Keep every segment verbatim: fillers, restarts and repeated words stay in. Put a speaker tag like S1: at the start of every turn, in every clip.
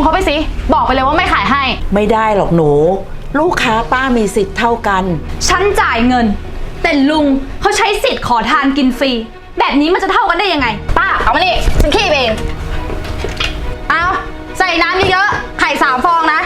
S1: เขาไปสิบอกไปเลยว่าไม่ขายให้
S2: ไม่ได้หรอกหนูลูกค้าป้ามีสิทธิ์เท่ากัน
S3: ฉันจ่ายเงินแต่ลุงเขาใช้สิทธิ์ขอทานกินฟรีแบบนี้มันจะเท่ากันได้ยังไง
S1: ป้าเอามานี่ฉันขี้เองเอาใส่น้ำเยอะๆไข่สามฟองนะ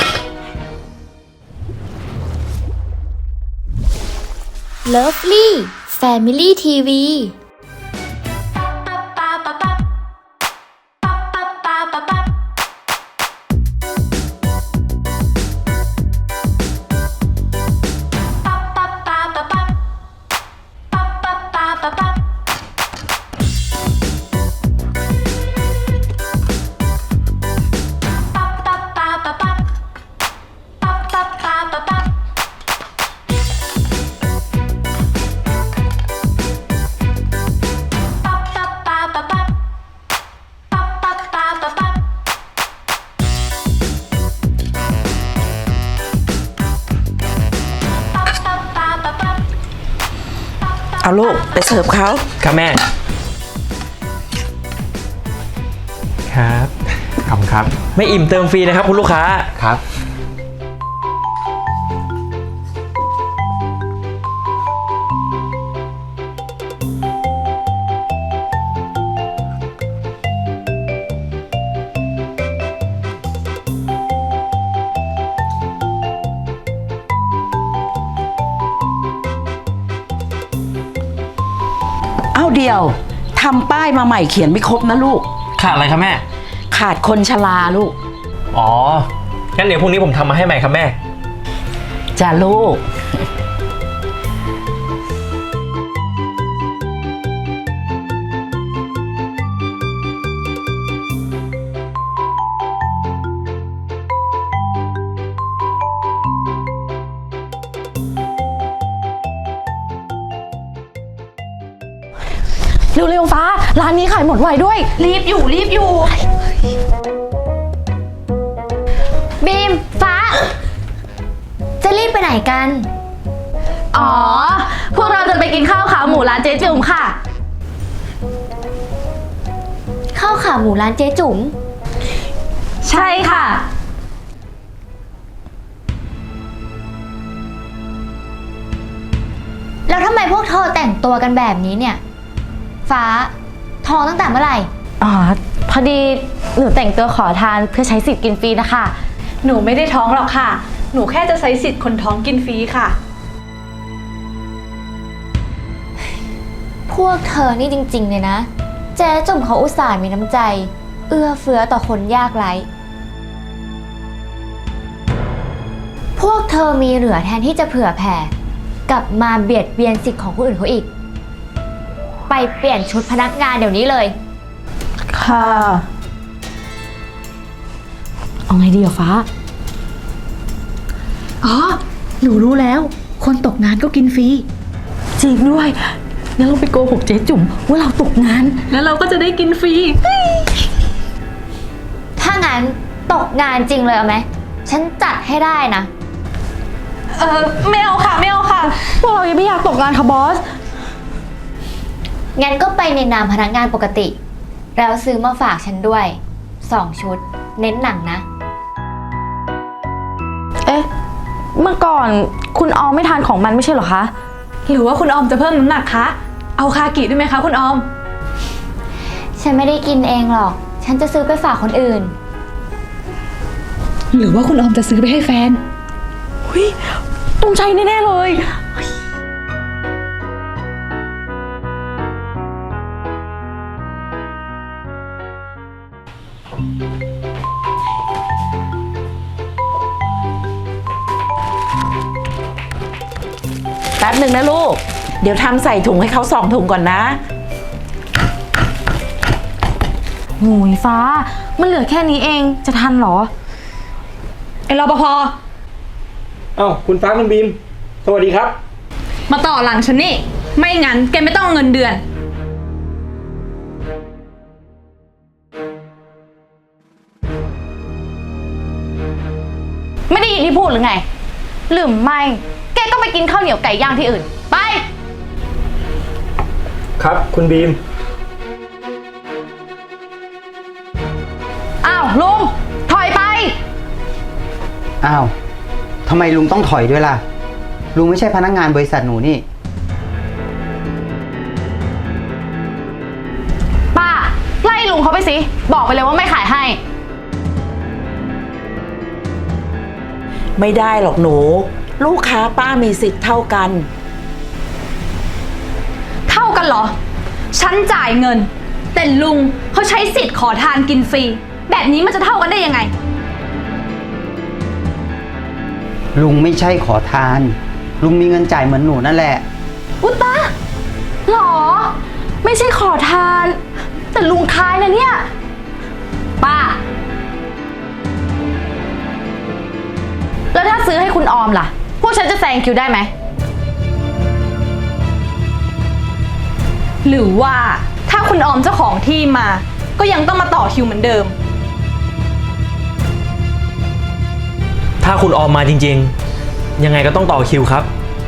S4: เลิฟลี่แฟมิลี่ทีวี
S2: เอาลูกไปเสิร์ฟเขา
S5: ครับแม่ครับขอบคุณครับไม่อิ่มเติมฟรีนะครับคุณลูกค้าครับ
S2: เอาเดียวทำป้ายมาใหม่เขียนไม่ครบนะลูก
S5: ขาดอะไรครับแม่
S2: ขาดคนชราลูก
S5: อ๋องั้นเดี๋ยวพรุ่งนี้ผมทำมาให้ใหม่ครับแม่
S2: จ้าลูก
S1: เร็วๆฟ้าร้านนี้ขายหมดไวด้วยรีบอยู่รีบอยู่
S4: บีมฟ้าจะรีบไปไหนกัน
S1: อ๋อพวกเราจะไปกินข้าวขาหมูร้านเจ๊จุ๋มค่ะ
S4: ข้าวขาหมูร้านเจ๊จุ๋ม
S1: ใช่ค่ะ
S4: แล้วทำไมพวกเธอแต่งตัวกันแบบนี้เนี่ยฟ้าท้องตั้งแต่เมื่อไหร่
S1: อ๋อพอดีหนูแต่งตัวขอทานเพื่อใช้สิทธิ์กินฟรีนะคะ
S3: หนูไม่ได้ท้องหรอกค่ะหนูแค่จะใช้สิทธิ์คนท้องกินฟรีค่ะ
S4: พวกเธอนี่จริงๆเลยนะเจ๊จุ๋มเขาอุตส่าห์มีน้ำใจเอื้อเฟื้อต่อคนยากไร้พวกเธอมีเหลือแทนที่จะเผื่อแผ่กลับมาเบียดเบียนสิทธิ์ของคนอื่นเขาอีกไปเปลี่ยนชุดพนักงานเดี๋ยวนี้เลย
S1: ค่ะเอาไงดีอะฟ้า
S3: อ๋อหนูรู้แล้วคนตกงานก็กินฟรี
S1: จริงด้วยงั้นเราไปโกหกเจ๊จุ๋มว่าเราตกงาน
S3: แล้วเราก็จะได้กินฟรี
S4: ถ้างั้นตกงานจริงเลยเอาไหมฉันจัดให้ได้นะ
S3: เออไม่เอาค่ะไม่เอาค่ะ
S1: พวกเรายังไม่อยากตกงานค่ะบอส
S4: งั้นก็ไปในนามพนักงานปกติแล้วซื้อมาฝากฉันด้วยสองชุดเน้นหนังนะ
S1: เอ๊ะเมื่อก่อนคุณออมไม่ทานของมันไม่ใช่เหรอคะ
S3: หรือว่าคุณออมจะเพิ่มน้ำหนักคะเอาคากิด้วยไหมคะคุณออม
S4: ฉันไม่ได้กินเองหรอกฉันจะซื้อไปฝากคนอื่น
S3: หรือว่าคุณออมจะซื้อไปให้แฟน
S1: เฮ้ยต้องใจแน่ๆเลย
S2: แป๊บหนึ่งนะลูกเดี๋ยวทำใส่ถุงให้เขาสองถุงก่อนนะ
S1: โหยฟ้ามันเหลือแค่นี้เองจะทันเหรอ
S3: ไอ้รปภ.
S5: อ้าวคุณฟ้าคุณบีมสวัสดีครับ
S3: มาต่อหลังฉันนี่ไม่งั้นแกไม่ต้องเงินเดือน
S1: ไม่ได้ยินที่พูดหรือไงหรือไม่แกก็ไปกินข้าวเหนียวไก่ย่างที่อื่นไป
S5: ครับคุณบีม
S1: อ้าวลุงถอยไป
S6: อ้าวทำไมลุงต้องถอยด้วยล่ะ ลุงไม่ใช่พนักงานบริษัทหนูนี่
S1: ป้า ไล่ลุงเขาไปสิ บอกไปเลยว่าไม่ขายให้
S2: ไม่ได้หรอกหนู ลูกค้าป้ามีสิทธิ์เท่ากัน
S3: เท่ากันเหรอ ฉันจ่ายเงิน แต่ลุงเขาใช้สิทธิ์ขอทานกินฟรี แบบนี้มันจะเท่ากันได้ยังไง
S6: ลุงไม่ใช่ขอทาน ลุงมีเงินจ่ายเหมือนหนูนั่นแหละ
S1: อุยตะหรอ ไม่ใช่ขอทาน แต่ลุงคายนะเนี่ย ป้า แล้วถ้าซื้อให้คุณออมล่ะ พวกฉันจะแซงคิวได้ไหม
S3: หรือว่าถ้าคุณออมเจ้าของที่มา ก็ยังต้องมาต่อคิวเหมือนเดิม
S5: ถ้าคุณออมมาจริงๆ ยังไงก็ต้องต่อคิวครับ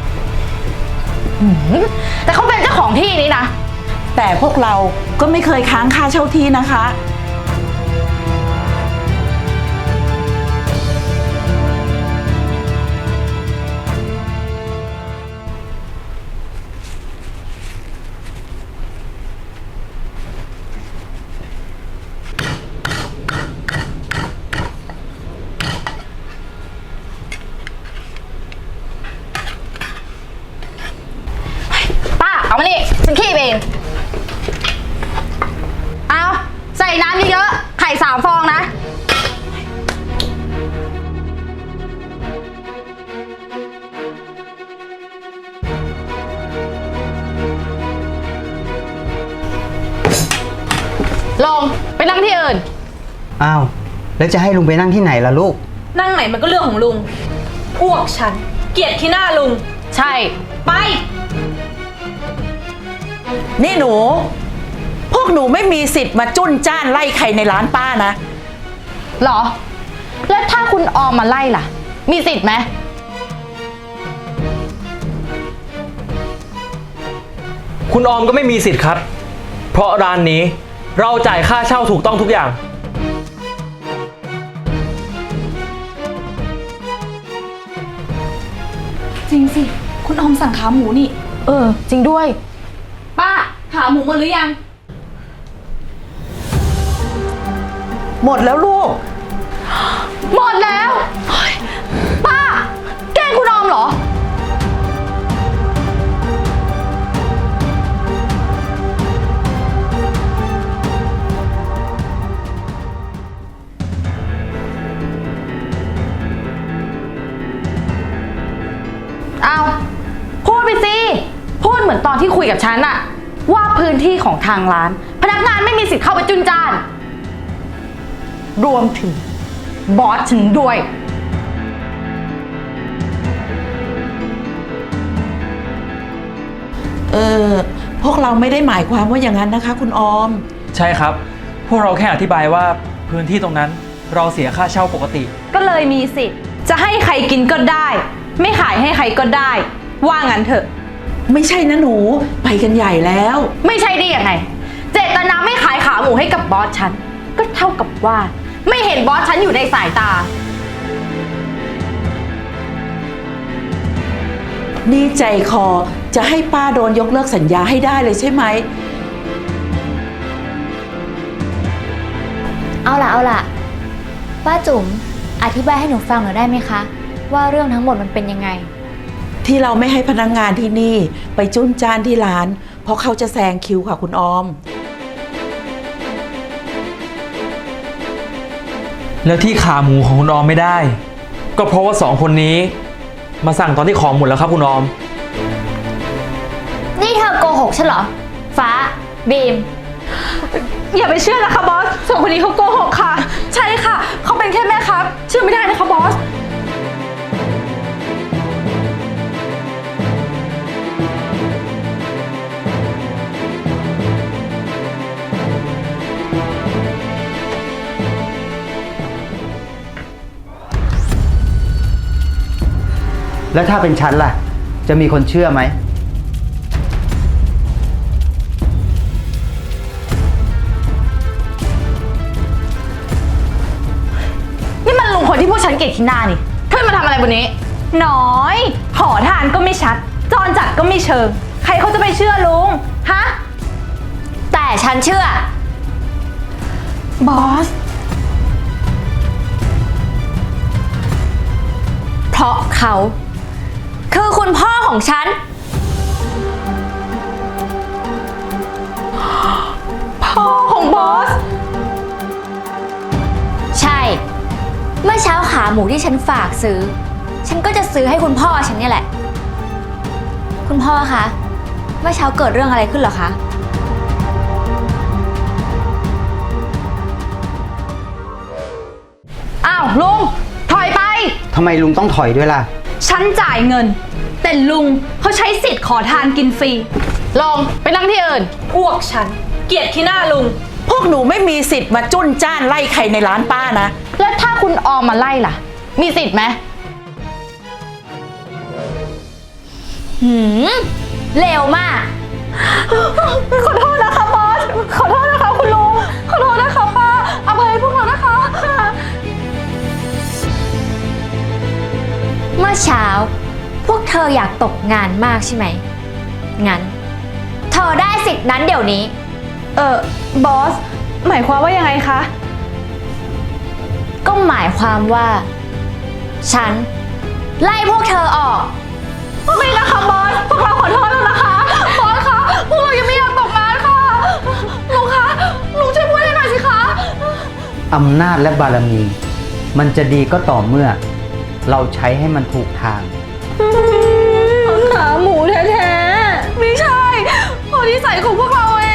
S1: แต่เขาเป็นเจ้าของที่นี้นะ
S2: แต่พวกเราก็ไม่เคยค้างค่าเช่าที่นะคะ
S1: ป้า เอามานี่ฉันขี้เอง เอาใส่น้ำเยอะๆไข่สามฟองนะ ลง ไปนั่งที่อื่น
S6: อ้าว แล้วจะให้ลุงไปนั่งที่ไหนล่ะลูก
S3: นั่งไหนมันก็เรื่องของลุง พวกฉัน เกลียดขี้หน้าลุง
S1: ใช่
S3: ไป
S2: นี่หนู พวกหนูไม่มีสิทธิ์มาจุ้นจ้านไล่ใครในร้านป้านะ
S1: เหรอ แล้วถ้าคุณออมมาไล่ล่ะ มีสิทธิ์ไหม
S5: คุณออมก็ไม่มีสิทธิ์ครับ เพราะร้านนี้เราจ่ายค่าเช่าถูกต้องทุกอย่าง
S3: จริงสิ คุณออมสั่งขาหมูนี่
S1: เออ จริงด้วย
S3: ป้า ขาหมูหมดหรือยัง
S2: หมดแล้วลูก
S1: หมดแล้วเฮ้ยป้า แกล้งคุณออมเหรอ เอาพูดไปสิ พูดเหมือนตอนที่คุยกับฉันอะว่าพื้นที่ของทางร้าน พนักงานไม่มีสิทธิ์เข้าไปจุนจ้าน รวมถึงบอสฉันด้วย
S2: เออ พวกเราไม่ได้หมายความว่าอย่างนั้นนะคะ คุณออม
S5: ใช่ครับ พวกเราแค่อธิบายว่าพื้นที่ตรงนั้นเราเสียค่าเช่าปกติ
S3: ก็เลยมีสิทธิ์ จะให้ใครกินก็ได้ ไม่ขายให้ใครก็ได้ ว่างั้นเถอะ
S2: ไม่ใช่นะหนู ไปกันใหญ่แล้ว
S1: ไม่ใช่ได้ยังไง เจตนาไม่ขายขาหมูให้กับบอสฉัน ก็เท่ากับว่า ไม่เห็นบอสฉันอยู่ในสายตา
S2: นี่ใจคอจะให้ป้าโดนยกเลิกสัญญาให้ได้เลยใช่ไหม
S4: เอาล่ะเอาล่ะ ป้าจุ๋มอธิบายให้หนูฟังหน่อยได้ไหมคะ ว่าเรื่องทั้งหมดมันเป็นยังไง
S2: ที่เราไม่ให้พนักงานที่นี่ไปจุ้นจ้านที่ร้าน เพราะเขาจะแซงคิวค่ะคุณออม
S5: แล้วที่ขาหมูของคุณออมไม่ได้ ก็เพราะว่าสองคนนี้ มาสั่งตอนที่ของหมดแล้วครับคุณออม
S4: นี่เธอโกหกฉันเหรอ ฟ้า บีม
S3: อย่าไปเชื่อนะคะบอสสองคนนี้เขาโกหกค่ะ
S1: ใช่ค่ะ เขาเป็นแค่แม่ครับ เชื่อไม่ได้นะคะบอส
S6: แล้วถ้าเป็นฉันล่ะ จะมีคนเชื่อไหม
S1: นี่มันลุงคนที่พวกฉันเกลียดที่หน้านี่ขึ้นมาทำอะไรบนนี้
S3: น้อย ขอทานก็ไม่ชัด จรจัดก็ไม่เชิง ใครเขาจะไปเชื่อลุง ฮะ
S4: แต่ฉันเชื่อ
S3: บอส
S4: เพราะเขา คือคุณพ่อของฉัน
S3: พ่อของบอส
S4: ใช่ เมื่อเช้าขาหมูที่ฉันฝากซื้อ ฉันก็จะซื้อให้คุณพ่อฉันเนี่ยแหละ คุณพ่อคะ เมื่อเช้าเกิดเรื่องอะไรขึ้นเหรอคะ
S1: อ้าวลุง ถอยไป
S6: ทำไมลุงต้องถอยด้วยล่ะ
S3: ฉันจ่ายเงิน แต่ลุงเขาใช้สิทธิ์ขอทานกินฟรี
S1: ลงไปนั่งที่อื่น
S3: อ้วกฉัน เกลียดขี้หน้าลุง
S2: พวกหนูไม่มีสิทธิ์มาจุ้นจ้านไล่ใครในร้านป้านะ
S1: แล้วถ้าคุณออมมาไล่ล่ะ มีสิทธิ์ไหม
S4: หืมเร็วมาก
S3: ขอโทษนะคะบอส ขอโทษนะคะคุณลุง ขอโทษนะคะป้าอภัยพวกเรานะคะ
S4: เมื่อเช้า พวกเธออยากตกงานมากใช่ไหม งั้น เธอได้สิทธิ์นั้นเดี๋ยวนี้
S3: เออ บอส หมายความว่ายังไงคะ
S4: ก็หมายความว่า ฉัน ไล่พวกเธอออก
S3: ไม่นะคะบอส พวกเราขอโทษแล้วนะคะ บอสคะ พวกเรายังไม่อยากตกงานค่ะ ลุงคะ ลุงช่วยพูดให้หน่อยสิคะ
S6: อำนาจและบารมี มันจะดีก็ต่อเมื่อ เราใช้ให้มันถูกทาง
S3: ขาหมูแท้ๆ ไม่ใช่พอนิสัยของพวกเราเอง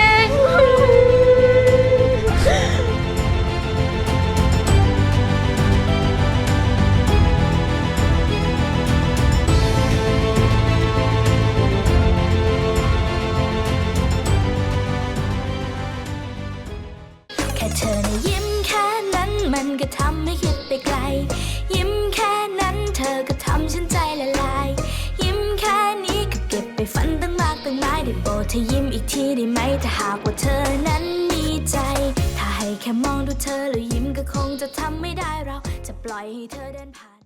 S7: แค่เธอนะยิ้มแค่นั้นมันก็ทำให้คิดไปไกล ยิ้มแค่นั้นเธอก็ทำฉันใจละลาย ยิ้มแค่นี้ก็เก็บไปฝันตั้งมากตั้งหลายได้โปรดเธอยิ้มอีกทีได้ไหมถ้าหากว่าเธอนั้นมีใจ ถ้าให้แค่มองดูเธอแล้วยิ้มก็คงจะทำไม่ได้เราจะปล่อยให้เธอเดินผ่าน